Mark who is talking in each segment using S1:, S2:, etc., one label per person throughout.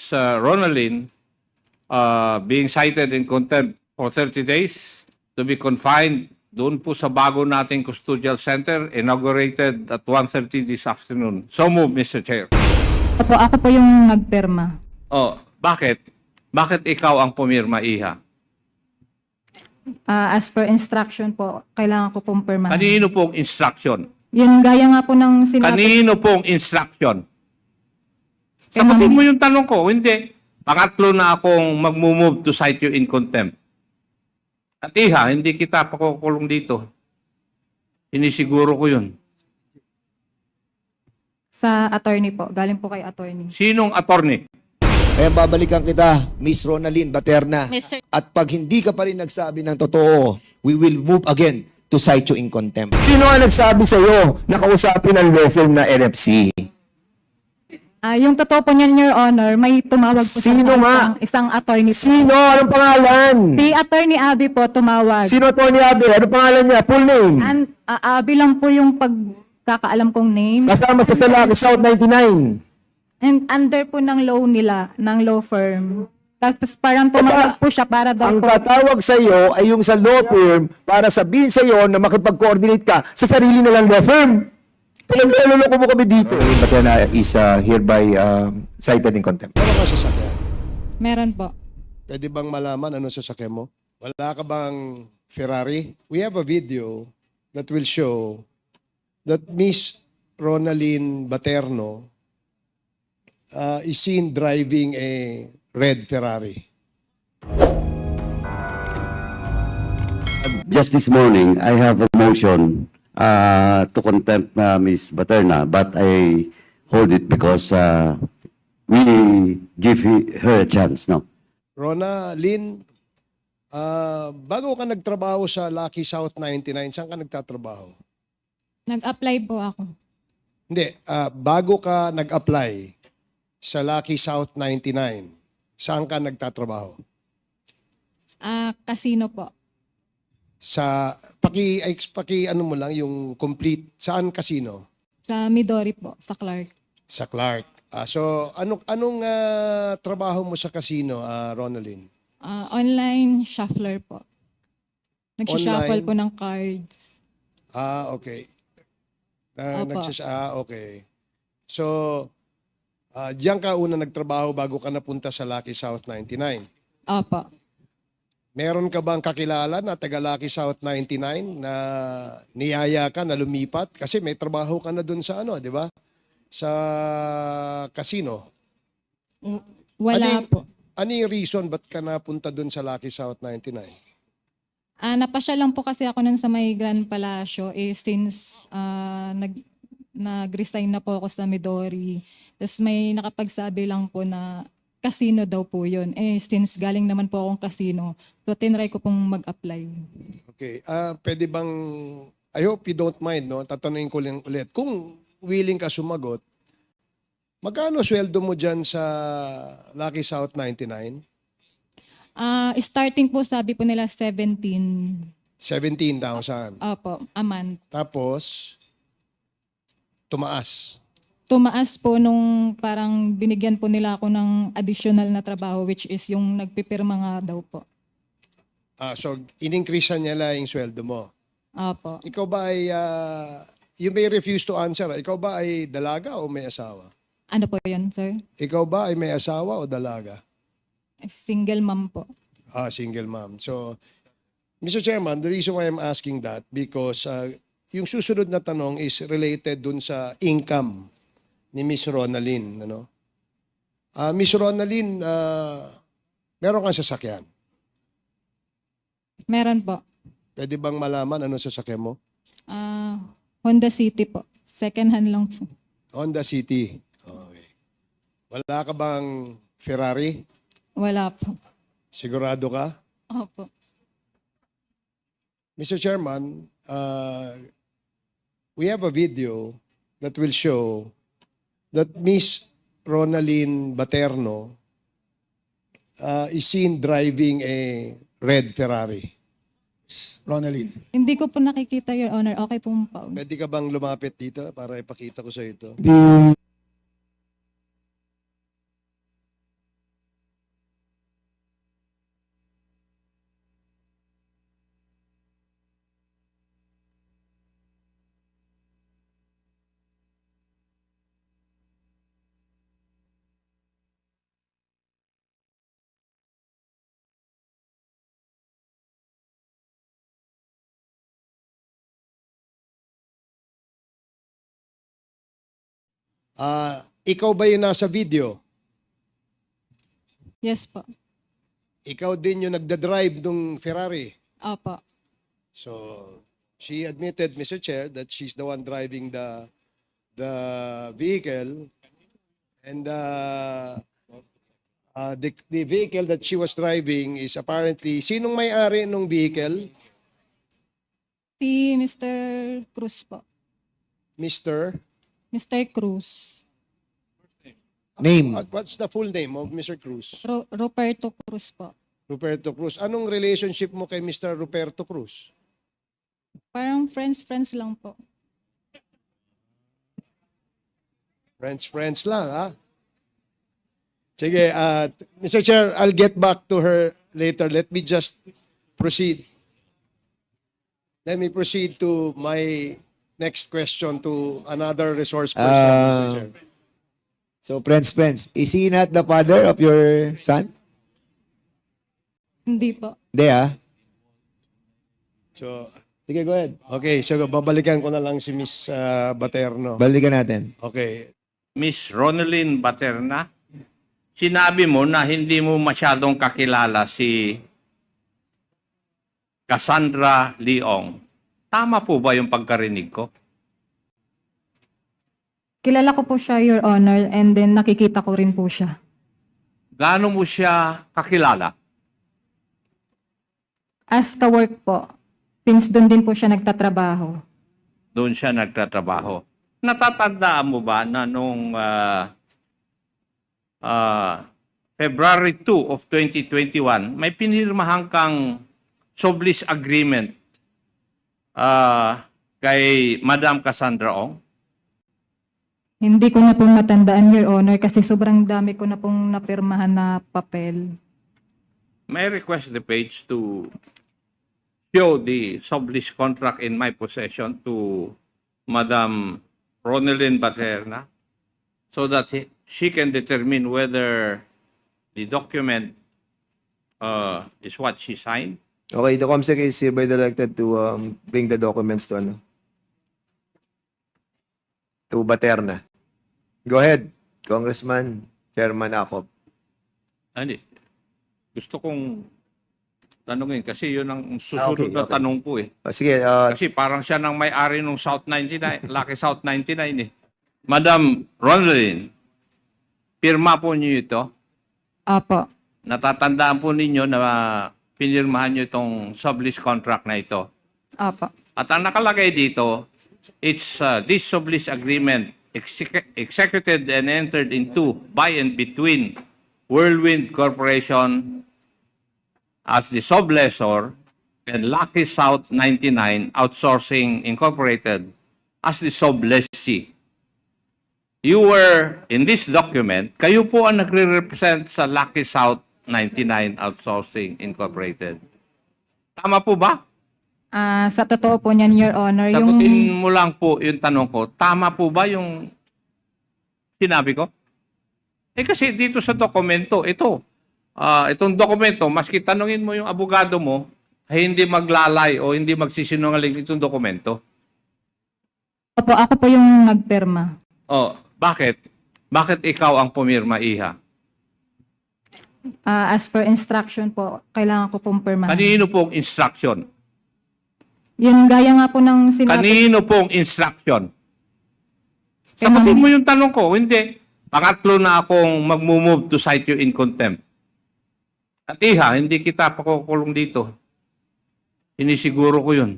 S1: Miss Ronaldin being cited in contempt for 30 days to be confined doon po sa bago nating custodial center, inaugurated at 1:30 this afternoon. So move, Mr. Chair.
S2: Ako po yung nagpirma.
S1: Oh, bakit? Bakit ikaw ang pumirma, Iha?
S2: As per instruction po, kailangan ko pong pirmahan.
S1: Kanino pong instruction?
S2: Yun, gaya nga po ng sinabi.
S1: Kanino pong instruction?
S2: Kay
S1: Sagutin
S2: Ma'am-
S1: mo yung tanong ko. Hindi. Pangatlo na akong mag-move to cite you in contempt. At Iha, hindi kita pakukulong dito. Sinisiguro ko yun.
S2: Sa attorney po, galing po kay attorney.
S1: Sinong attorney?
S3: Kaya babalikan kita, Miss Ronaldin Baterna.
S4: Mr.
S3: At pag hindi ka pa rin nagsabi ng totoo, we will move again to cite you in contempt.
S5: Sino ang nagsabi sa iyo na kausapin ang law firm na NFC?
S2: Yung totoo po niyan, Your Honor, may tumawag po
S5: Sino nga?
S2: isang attorney po.
S5: Sino? Anong pangalan?
S2: Si attorney Abby po tumawag.
S5: Sino Tony Abe? Anong pangalan niya? Full name?
S2: Abby lang po yung pagkakaalam kong name.
S5: Kasama sa Salaki South 99.
S2: And under po ng law nila, ng law firm. Tapos parang tumawag po siya para daw
S5: Ang
S2: po.
S5: tatawag sa iyo ay yung sa law firm para sabihin sa iyo na makipag-coordinate ka sa sarili nilang law firm. Pinagluloko mo kami dito.
S3: Baterna is hereby cited in contempt.
S6: Ano ka sasakyan?
S2: Meron po.
S6: Pwede bang malaman ano sasakyan mo? Wala ka bang Ferrari? We have a video that will show that Miss Ronaldin Baterno is seen driving a red Ferrari.
S7: Just this morning, I have a motion to contempt Ms. Baterna, but I hold it because we give her a chance, no?
S6: Rona, Lynn, bago ka nagtrabaho sa Lucky South 99, saan ka nagtatrabaho?
S2: Nag-apply po ako.
S6: Hindi, bago ka nag-apply sa Lucky South 99, saan ka nagtatrabaho?
S2: Casino po.
S6: Sa paki ano mo lang yung complete saan casino?
S2: Sa Midori po, sa Clark.
S6: Sa Clark. So anong trabaho mo sa casino, Ronaldin?
S2: Online shuffler po. Nag-shuffle
S6: Online?
S2: po ng cards.
S6: Okay.
S2: Opo.
S6: Okay. So diyan ka una nagtrabaho bago ka napunta sa Lucky South 99.
S2: Opo.
S6: Meron ka bang kakilala na taga Lucky South 99 na niyaya ka na lumipat? Kasi may trabaho ka na dun sa ano, di ba? Sa casino.
S2: Wala
S6: Ano-
S2: po.
S6: Ano yung reason ba't ka napunta dun sa Lucky South 99?
S2: Napasya lang po kasi ako nun sa may Grand Palacio since nag-resign na po ako sa Midori. Tapos may nakapagsabi lang po na casino daw po yun. Since galing naman po akong casino, so tinry ko pong mag-apply.
S6: Okay. Pwede bang, I hope you don't mind, no? Tatanungin ko lang ulit. Kung willing ka sumagot, magkano sweldo mo dyan sa Lucky South 99?
S2: Starting po sabi po nila 17.
S6: 17,000.
S2: Opo, a month.
S6: Tapos, tumaas.
S2: Tumaas po nung parang binigyan po nila ako ng additional na trabaho which is yung nagpipirma nga daw po.
S6: So, in-increase niya lang yung sweldo mo.
S2: Opo.
S6: Ikaw ba ay, you may refuse to answer. Ikaw ba ay dalaga o may asawa?
S2: Ano po yun, sir?
S6: Ikaw ba ay may asawa o dalaga?
S2: Single mom po.
S6: Single mom. So, Mr. Chairman, the reason why I'm asking that because yung susunod na tanong is related dun sa income ni Miss Ronaldin. Ano? Miss Ronaldin, meron kang sasakyan.
S2: Meron po.
S6: Pwede bang malaman ano sasakyan mo?
S2: Honda City po. Second hand lang po.
S6: Honda City. Okay. Wala ka bang Ferrari?
S2: Wala po.
S6: Sigurado ka?
S2: Opo.
S6: Mr. Chairman, we have a video that will show that Miss Ronaldin Baterno is seen driving a red Ferrari. Ronaldin,
S2: Hindi ko po nakikita, Your Honor. Okay po pa.
S6: pwede ka bang lumapit dito para ipakita ko sa ito? Ikaw ba yung nasa video?
S2: Yes po.
S6: Ikaw din yung nagda-drive ng Ferrari.
S2: Opo.
S6: So, she admitted, Mr. Chair, that she's the one driving the vehicle, and the vehicle that she was driving is apparently, sinong may-ari ng vehicle?
S2: Si Mr. Cruz po.
S6: Mr.
S2: Mr. Cruz.
S3: Name.
S6: What's the full name of Mr. Cruz?
S2: Roberto Cruz po.
S6: Ruperto Cruz. Anong relationship mo kay Mr. Ruperto Cruz?
S2: Parang friends lang po.
S6: Friends lang, ha? Sige, Mr. Chair, I'll get back to her later. Let me just proceed. Let me proceed to my next question to another resource person, Mr. Chair.
S5: So, friends, is he not the father of your son?
S2: Hindi po.
S5: Hindi, ah.
S6: So,
S5: Sige, go ahead.
S6: okay, so babalikan ko na lang si Miss Baterno.
S5: Balikan natin.
S6: Okay.
S1: Miss Ronaldin Baterna, sinabi mo na hindi mo masyadong kakilala si Cassandra Leong. Tama po ba yung pagkarinig ko?
S2: Kilala ko po siya, Your Honor, and then nakikita ko rin po siya.
S1: Gaano mo siya kakilala?
S2: As ka-work po, since doon din po siya nagtatrabaho.
S1: Doon siya nagtatrabaho. Natatandaan mo ba na nung February 2 of 2021, may pinirmahan kang sublease agreement kay Madam Cassandra Ong?
S2: Hindi ko na po matandaan, Your Honor, kasi sobrang dami ko na pong napirmahan na papel.
S1: May I request the page to show the sublease contract in my possession to Madam Ronaldin Baterna so that she can determine whether the document is what she signed.
S5: Okay, the COMSEC is hereby directed to bring the documents to Baterna. Go ahead, Congressman Chairman Acop.
S1: Hindi. Gusto kong tanungin kasi yun ang susunod
S5: Okay,
S1: na
S5: okay.
S1: tanong ko eh.
S5: Sige,
S1: Kasi parang siya nang may-ari ng South 99, Lucky South 99 eh. Madam Ronaldin, pirma po niyo ito.
S2: Apo.
S1: Natatandaan po ninyo na pinirmahan niyo itong sublease contract na ito.
S2: Apo.
S1: At ang nakalagay dito, it's this sublease agreement executed and entered into by and between Whirlwind Corporation as the sublessor and Lucky South 99 Outsourcing Incorporated as the sublessee. You were, in this document, kayo po ang nagre-represent sa Lucky South 99 Outsourcing Incorporated. Tama po ba?
S2: Sa totoo po niyan, Your Honor,
S1: Sagutin mo lang po yung tanong ko, tama po ba yung sinabi ko? Kasi dito sa dokumento, itong dokumento, maski tanungin mo yung abogado mo, ay hindi maglalay o hindi magsisinungaling itong dokumento.
S2: Opo, ako po yung nagpirma.
S1: Oh, bakit? Bakit ikaw ang pumirma, Iha?
S2: As per instruction po, kailangan ko pong pirmahan.
S1: Kanino pong instruction?
S2: Yun, gaya nga po ng sinabi.
S1: Kanino pong instruction?
S2: Kay
S1: Sagutin
S2: Ma'am-
S1: mo yung tanong ko. Hindi. Pangatlo na akong mag-move to cite you in contempt. At Iha, hindi kita pakukulong dito. Sinisiguro ko yun.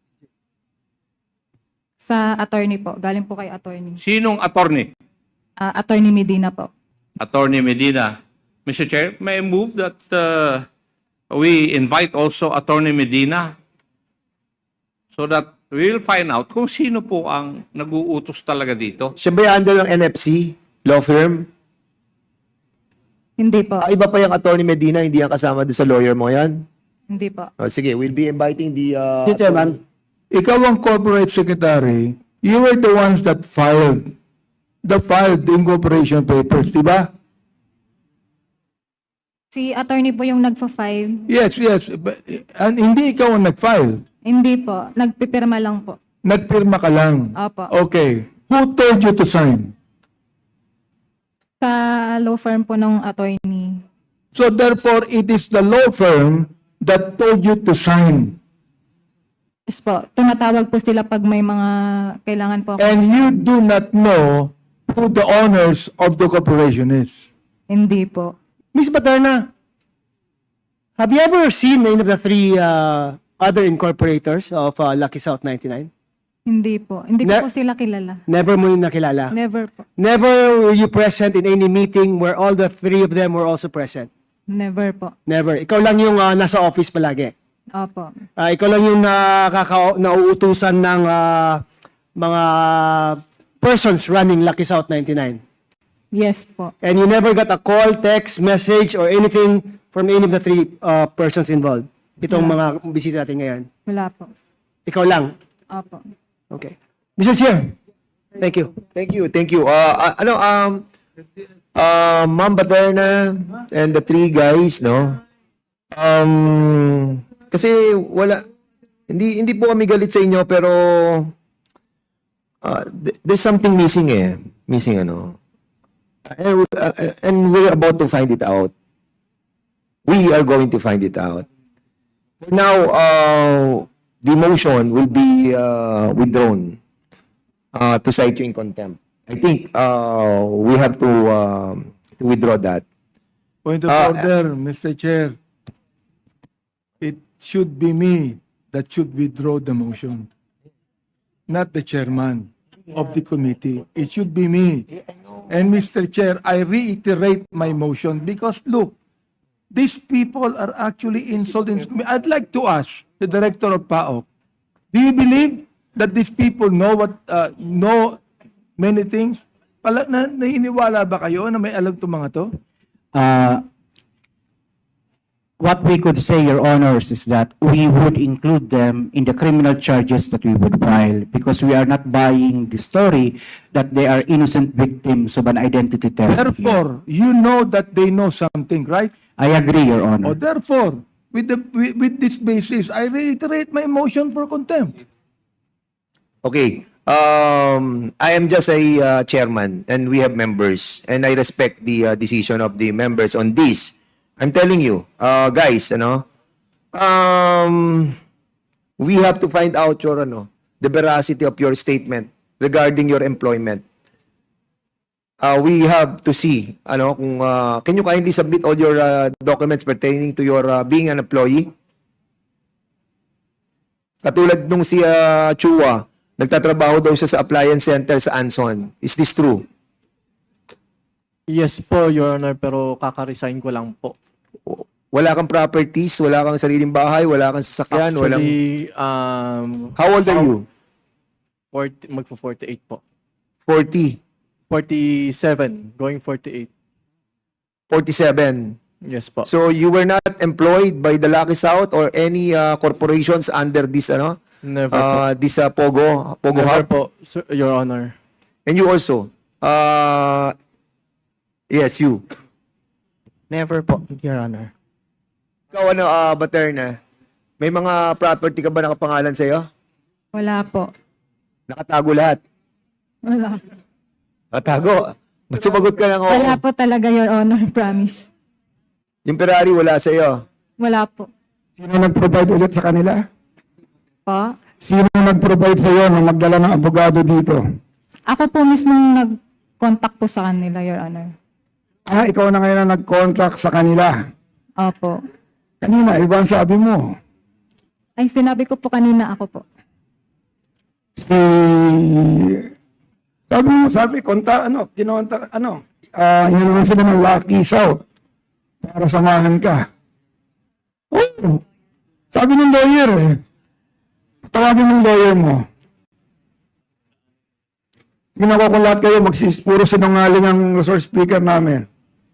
S2: Sa attorney po, galing po kay attorney.
S1: Sinong attorney?
S2: Attorney Medina po.
S1: Attorney Medina. Mr. Chair, may I move that we invite also Attorney Medina so that we will find out kung sino po ang nag-uutos talaga dito.
S5: Siya ba yung under ng NFC law firm?
S2: Hindi po.
S5: Iba pa yung attorney Medina, hindi yan kasama doon sa lawyer mo yan?
S2: Hindi po.
S5: Sige, we'll be inviting the...
S4: Mr. Chairman, ikaw ang corporate secretary, you were the ones that filed the incorporation papers, di ba?
S2: Si attorney po yung nagfa-file.
S4: Yes. And hindi ikaw ang nag-file.
S2: Hindi po. Nagpipirma lang po.
S4: Nagpirma ka lang.
S2: Opo.
S4: Okay. Who told you to sign?
S2: Sa law firm po ng attorney.
S4: So therefore, it is the law firm that told you to sign.
S2: Yes po, tumatawag po sila pag may mga kailangan po ako.
S4: And you do not know who the owners of the corporation is.
S2: Hindi po.
S5: Miss Baterna, have you ever seen any of the three other incorporators of Lucky South 99?
S2: Hindi po. Hindi
S5: Ne-
S2: ko po sila kilala.
S5: Never mo yung nakilala?
S2: Never po.
S5: Never were you present in any meeting where all the three of them were also present?
S2: Never po.
S5: Never. Ikaw lang yung nasa office palagi.
S2: Opo.
S5: Ikaw lang yung nauutusan ng mga persons running Lucky South 99.
S2: Yes po.
S5: And you never got a call, text, message, or anything from any of the three persons involved. Itong mga bisita natin ngayon.
S2: Wala po.
S5: Ikaw lang.
S2: Opo.
S5: Okay. Mr. Chair, thank you.
S3: Thank you, thank you. Ma'am Baterna and the three guys, no? Kasi hindi po kami galit sa inyo, pero there's something missing eh. Missing ano. And we're about to find it out. We are going to find it out. For now, the motion will be withdrawn to cite you in contempt. I think we have to withdraw that.
S4: Point of order, Mr. Chair. It should be me that should withdraw the motion, not the chairman of the committee. It should be me. And Mr. Chair, I reiterate my motion because look, these people are actually insulting. I'd like to ask the director of PAOK, do you believe that these people know many things? Nainiwala ba kayo na may alam itong mga to?
S8: What we could say, Your Honors, is that we would include them in the criminal charges that we would file because we are not buying the story that they are innocent victims of an identity theft.
S4: Therefore, you know that they know something, right?
S8: I agree, Your Honor.
S4: Therefore, with this basis, I reiterate my motion for contempt.
S3: Okay. I am just a chairman and we have members and I respect the decision of the members on this. I'm telling you, guys, we have to find out the veracity of your statement regarding your employment. We have to see, can you kindly submit all your documents pertaining to your being an employee? Katulad nung si Chua, nagtatrabaho daw siya sa appliance center sa Anson. Is this true?
S9: Yes po, Your Honor, pero kaka-resign ko lang po.
S3: Wala kang properties, wala kang sariling bahay, wala kang sasakyan, walang...
S9: Actually,
S3: How old are you?
S9: magpo-48 po.
S3: 40,
S9: 47, going 48.
S3: 47.
S9: Yes po.
S3: So you were not employed by the Lucky South or any corporations under this
S9: Never po.
S3: this Pogo
S9: Never
S3: Hub?
S9: po, Sir, Your Honor.
S3: And you also yes, you.
S10: Never po, Your Honor.
S3: Ikaw Baterna, may mga property ka ba nakapangalan sa iyo?
S2: Wala po.
S3: Nakatago lahat.
S2: Wala.
S3: Nakatago. Ba't sumagot ka lang
S2: Wala
S3: oo?
S2: po talaga, Your Honor. Promise.
S3: Yung Ferrari wala sa iyo.
S2: Wala po.
S4: Sino nag-provide ulit sa kanila?
S2: Po?
S4: Sino nag-provide sa iyo na magdala ng abogado dito?
S2: Ako po mismo nag-contact po sa kanila, Your Honor.
S4: Ikaw na ngayon ang nag-contact sa kanila.
S2: Opo.
S4: Kanina, iba ang sabi mo.
S2: Ay, sinabi ko po kanina ako po.
S4: Sabi, kinontak, yun naman sila ng Lucky South para samahan ka. Oh, sabi ng lawyer tawagin ng lawyer mo. Ginawa ko lahat kayo, puro sinungaling ang resource speaker namin.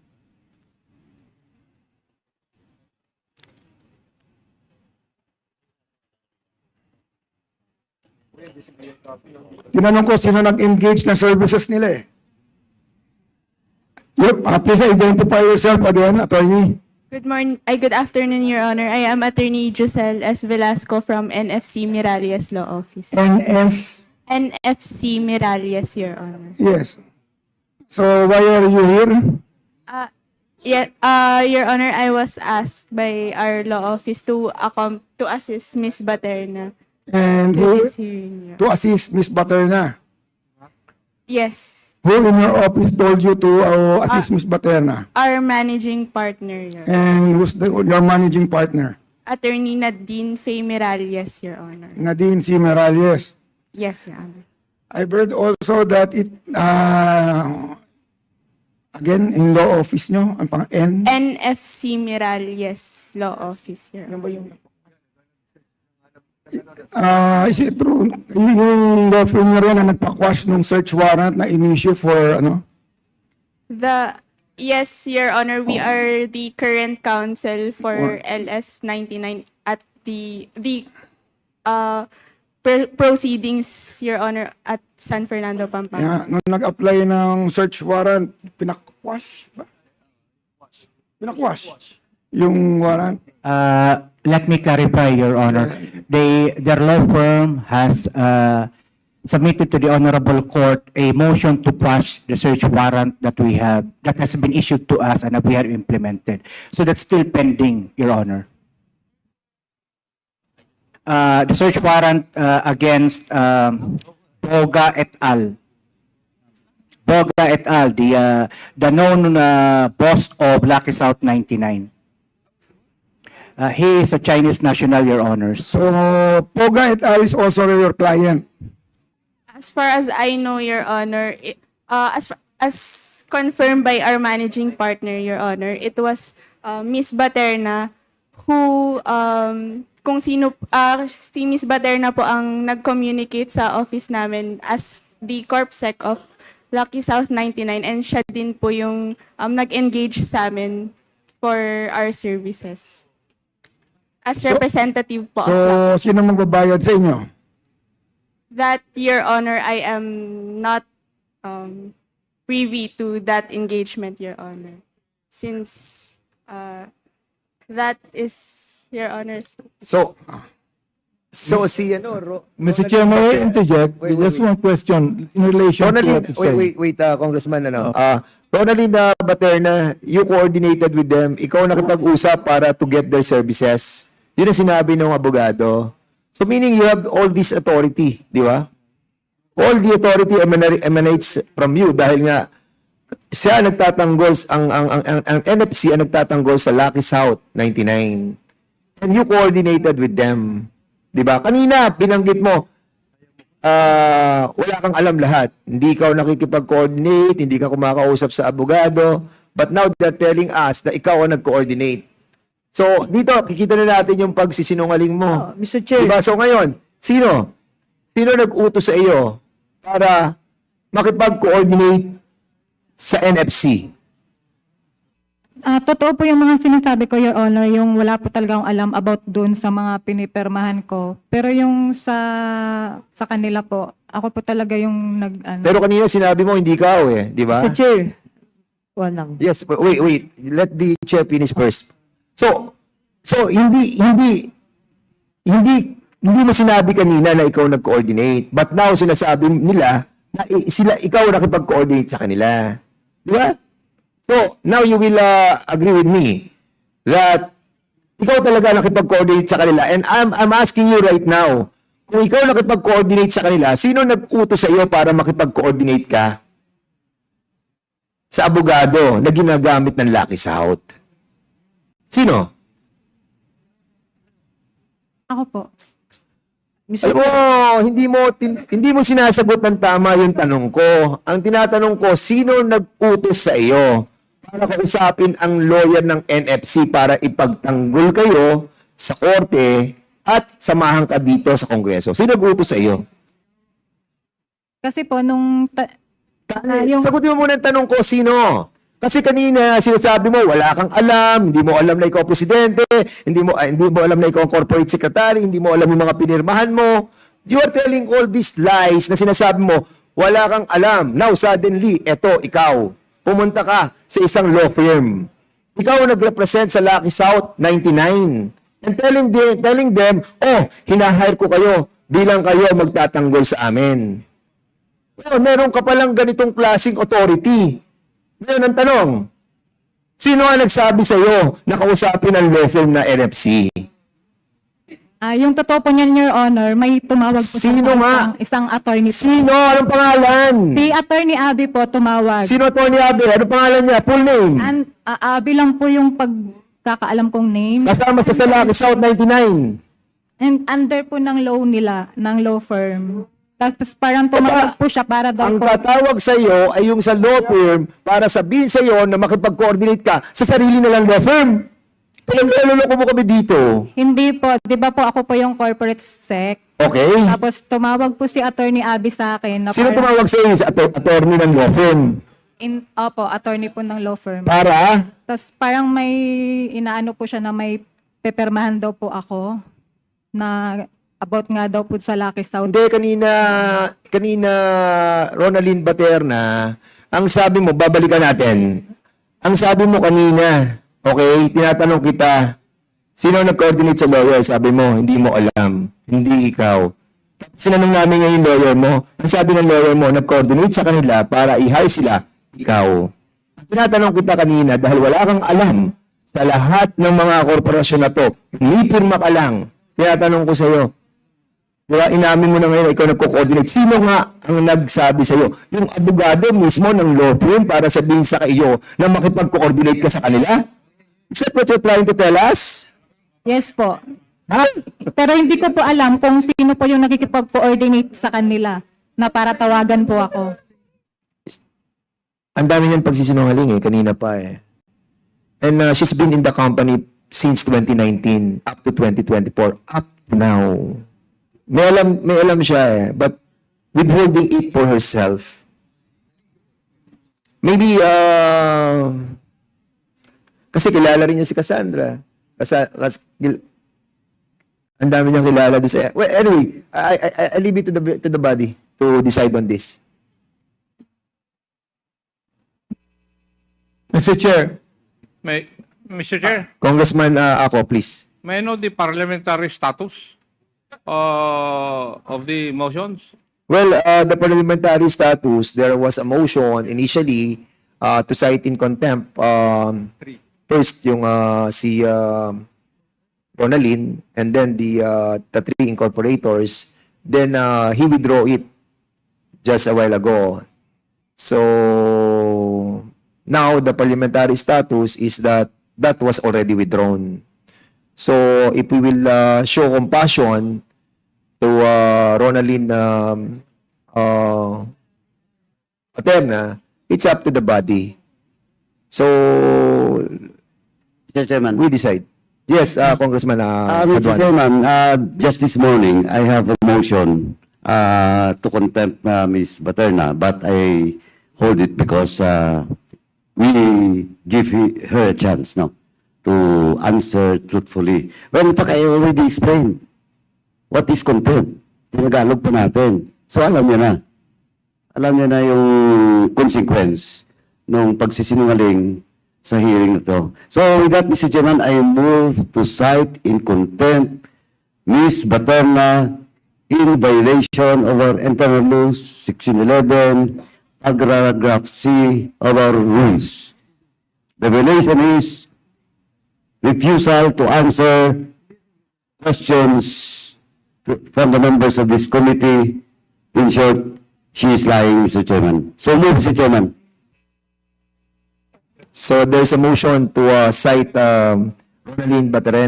S4: Tinanong ko sino nag-engage na services nila Yep, please identify yourself again, attorney.
S11: Good afternoon, Your Honor. I am Attorney Giselle S. Velasco from NFC Miralles Law Office.
S4: NS,
S11: NFC Miralles, Your Honor.
S4: yes.
S5: So why are you here?
S11: Your Honor, I was asked by our law office to assist Miss Baterna
S5: And
S11: to
S5: who,
S11: this hearing.
S5: to assist Miss Baterna?
S11: Yes,
S5: Who in your office told you to assist Miss Baterna?
S11: our managing partner, Your
S5: And who's your managing partner?
S11: Attorney Nadine Faye Miralles, Your Honor.
S5: Nadine C. Morales.
S11: Yes, Your Honor.
S5: I've heard also that it, again, in law office nyo, ang pang N.
S11: NFC Miralles Law Office, Your Honor.
S5: Is it true, yung law firm nyo rin na nagpa-quash nung search warrant na in-issue for,
S11: Yes, Your Honor, we are the current counsel for LS 99 at the proceedings, Your Honor, at San Fernando, Pampanga.
S5: nung nag-apply ng search warrant, pinakwash ba? Pinakwash yung warrant.
S8: Let me clarify, Your Honor. Their law firm has submitted to the Honorable Court a motion to quash the search warrant that has been issued to us and that we have implemented. So that's still pending, Your Honor. The search warrant against Boga et al. Boga et al., the known boss of Lucky South 99. He is a Chinese national, Your Honors.
S5: So, Poga et al. Is also your client.
S11: As far as I know, Your Honor, as confirmed by our managing partner, Your Honor, it was Miss Baterna who, kung sino, si Miss Baterna po ang nag-communicate sa office namin as the CorpSec of Lucky South 99 and siya din po yung nag-engage sa amin for our services. As representative po of Lucky.
S5: So, sino magbabayad sa inyo?
S11: That, Your Honor, I am not privy to that engagement, Your Honor. Since that is Your Honor's.
S3: So si
S4: Mr. Chair, may I interject?
S3: Wait,
S4: Just
S3: wait.
S4: one question in relation to
S3: Ronaldin,
S4: what you said.
S3: wait, Congressman, Ronaldin Baterna, you coordinated with them, ikaw nakipag-usap para to get their services. Yun ang sinabi ng abogado. So meaning you have all this authority, di ba? All the authority emanates from you dahil nga siya nagtatanggol, ang NFC ang nagtatanggol sa Lucky South 99. And you coordinated with them. Di ba? Kanina, binanggit mo, wala kang alam lahat. Hindi ikaw nakikipag-coordinate, hindi ka kumakausap sa abogado. But now they're telling us na ikaw ang nag-coordinate. So, dito, kikita na natin yung pagsisinungaling mo.
S10: Mr. Chair.
S3: Diba? So, ngayon, sino? Sino nag-utos sa iyo para makipag-coordinate sa NFC?
S2: Totoo po yung mga sinasabi ko, Your Honor, yung wala po talaga akong alam about doon sa mga pinipirmahan ko. Pero yung sa kanila po, ako po talaga yung
S3: Pero kanina sinabi mo, hindi ikaw di ba?
S10: Mr. Chair. Walang.
S3: Yes, wait. Let the chair finish first. So hindi mo sinabi kanina na ikaw nag-coordinate. But now sinasabi nila na ikaw nakipag-coordinate sa kanila. Di ba? So, now you will agree with me that ikaw talaga nakipag-coordinate sa kanila. And I'm asking you right now, kung ikaw nakipag-coordinate sa kanila, sino nag-utos sa iyo para makipag-coordinate ka sa abogado na ginagamit ng Lucky South? Sino?
S2: Ako po.
S3: Alam mo, hindi mo sinasagot ng tama yung tanong ko. Ang tinatanong ko, sino nag-utos sa iyo para kausapin ang lawyer ng NFC para ipagtanggol kayo sa korte at samahan ka dito sa Kongreso? Sino nag-utos sa iyo?
S2: Kasi po, nung
S3: Sagutin mo muna ang tanong ko, sino? Kasi kanina sinasabi mo, wala kang alam, hindi mo alam na ikaw presidente, hindi mo alam na ikaw ang corporate secretary, hindi mo alam yung mga pinirmahan mo. You are telling all these lies na sinasabi mo, wala kang alam. Now suddenly, eto, ikaw, pumunta ka sa isang law firm. Ikaw nag-represent sa Lucky South 99. And telling them, hinahire ko kayo bilang kayo magtatanggol sa amin. Well, meron ka palang ganitong klaseng authority.
S5: Ngayon, ang tanong, sino ang nagsabi sa iyo na kausapin ang law firm na NFC?
S2: Yung totoo po niyan, Your Honor, may tumawag po
S5: Sino nga?
S2: isang attorney po.
S5: Sino? Anong pangalan?
S2: Si Attorney Abby po tumawag.
S5: Sino Tony Abe? Anong pangalan niya? Full name?
S2: Abby lang po yung pagkakaalam kong name.
S5: Kasama sa Salaki South 99.
S2: And under po ng law nila, ng law firm. Tapos parang tumawag po siya para daw
S5: Ang
S2: po.
S5: tatawag sa iyo ay yung sa law firm para sabihin sa iyo na makipag-coordinate ka sa sarili nilang law firm. Pinaglaluloko mo kami dito.
S2: Hindi po, di ba po ako po yung corporate sec.
S5: Okay?
S2: Tapos tumawag po si Attorney Abby sa akin. Na
S5: Sino
S2: parang-
S5: tumawag sa iyo? Sa attorney ng law firm.
S2: Opo, attorney po ng law firm.
S5: Para?
S2: Tapos parang may inaano po siya na may pepermahan daw po ako na about nga daw po sa Lucky South.
S5: Hindi, kanina Ronaldin Baterna, ang sabi mo, babalikan natin. Ang sabi mo kanina, okay, tinatanong kita, sino nag-coordinate sa lawyer? Sabi mo, hindi mo alam. Hindi ikaw. Sinanong namin ngayon yung lawyer mo. Ang sabi ng lawyer mo, nag-coordinate sa kanila para i-hire sila. Ikaw. Tinatanong kita kanina dahil wala kang alam sa lahat ng mga korporasyon na to. Umipirma ka lang. Tinatanong ko sa iyo, diba, inamin mo na ngayon, ikaw nagko-coordinate. Sino nga ang nagsabi sa iyo? Yung abogado mismo ng law firm para sabihin sa iyo na makipag-coordinate ka sa kanila? Is that what you're trying to tell us?
S2: Yes po.
S5: Ha?
S2: Pero hindi ko po alam kung sino po yung nakikipag-coordinate sa kanila na para tawagan po ako.
S5: Ang dami niyang pagsisinungaling kanina pa And she's been in the company since 2019 up to 2024, up to now. May alam siya but withholding it for herself. Maybe, kasi kilala rin niya si Cassandra. Ang dami niyang kilala doon sa... Well, anyway, I leave it to the body to decide on this.
S4: Mr. Chair,
S1: Mr. Chair,
S5: Congressman ako, please.
S1: may I know the parliamentary status of the motions?
S5: Well, the parliamentary status, there was a motion initially to cite in contempt. First, yung si Ronaldin, and then the three incorporators. Then he withdrew it just a while ago. So now the parliamentary status is that that was already withdrawn. So if we will show compassion to Ronaldin Paterna, it's up to the body. So
S7: Mr. Chairman.
S5: we decide. Yes, Congressman
S7: Mr.
S5: Paduan.
S7: Chairman, just this morning, I have a motion to contempt Ms. Baterna, but I hold it because we give her a chance now to answer truthfully. Well, in fact, I already explained what is contempt. Tinagalog pa natin. So, alam niya na. Alam niya na yung consequence ng pagsisinungaling sa hearing na to. So, with that, Mr. Chairman, I move to cite in contempt Ms. Baterna in violation of our internal rules, Section 11, paragraph C of our rules. The violation is refusal to answer questions from the members of this committee. In short, she is lying, Mr. Chairman. So move, Mr. Chairman.
S5: So there's a motion to cite Ronaldin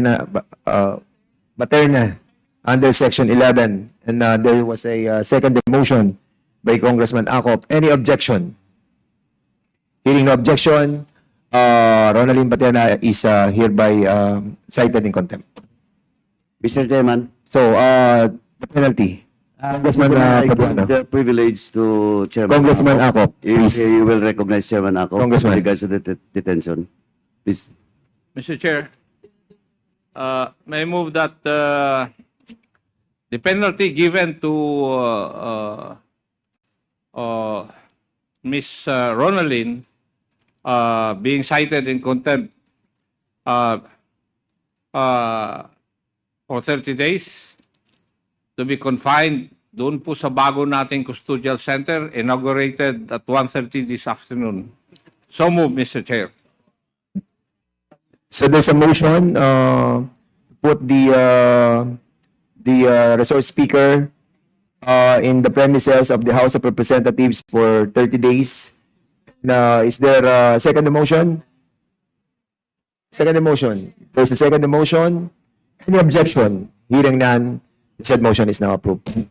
S5: Baterna under Section 11. And there was a second motion by Congressman Acop. Any objection? Hearing no objection, Ronaldin Baterna is hereby cited in contempt.
S7: Mr. Chairman.
S5: So, the penalty. Congressman
S7: I give
S5: Paduan.
S7: the privilege to Chairman
S5: Congressman Acop,
S7: If
S5: please.
S7: you will recognize Chairman Acop
S5: Congressman.
S7: with regards to the detention. Please.
S1: Mr. Chair, may I move that the penalty given to Ms. Ronaldin being cited in contempt for 30 days to be confined doon po sa bago nating custodial center inaugurated at 1:30 this afternoon. So move, Mr. Chair.
S3: So there's a motion to put the resource speaker in the premises of the House of Representatives for 30 days. Is there a second motion? Second motion. There's a second motion. Any objection? Hearing none, the said motion is now approved.